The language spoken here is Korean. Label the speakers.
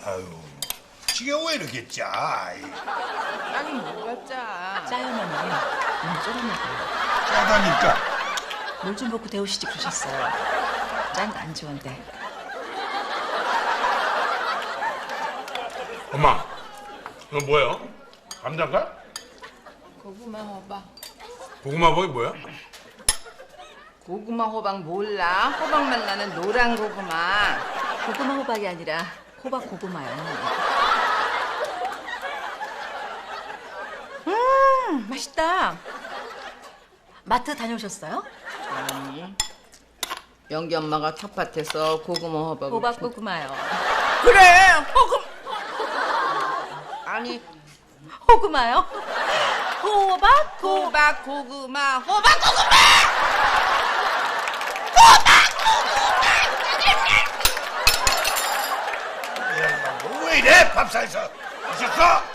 Speaker 1: 아유, 지금 왜 이렇게 짜?
Speaker 2: 짱이 뭐가 짜?
Speaker 3: 짜요머니 너무 쫄아먹어요.
Speaker 1: 짜다니까.
Speaker 3: 물 좀 붓고 데우시지 그러셨어요. 짠 거 안 좋은데.
Speaker 4: 엄마, 이거 뭐예요? 감자인가?
Speaker 2: 고구마 호박.
Speaker 4: 고구마 버이 뭐야?
Speaker 2: 고구마 호박 몰라? 호박맛 나는 노란 고구마.
Speaker 3: 고구마 호박이 아니라 호박 고구마요. 맛있다. 마트 다녀오셨어요?
Speaker 2: 아니. 영기 엄마가 텃밭에서 고구마 호박을
Speaker 3: 호박 고구마요.
Speaker 2: 그래 호금 아니
Speaker 3: 호구마요? 호박
Speaker 2: 호박 고구마 호박 고구마
Speaker 1: 왜 이래? 밥상에서 있었어?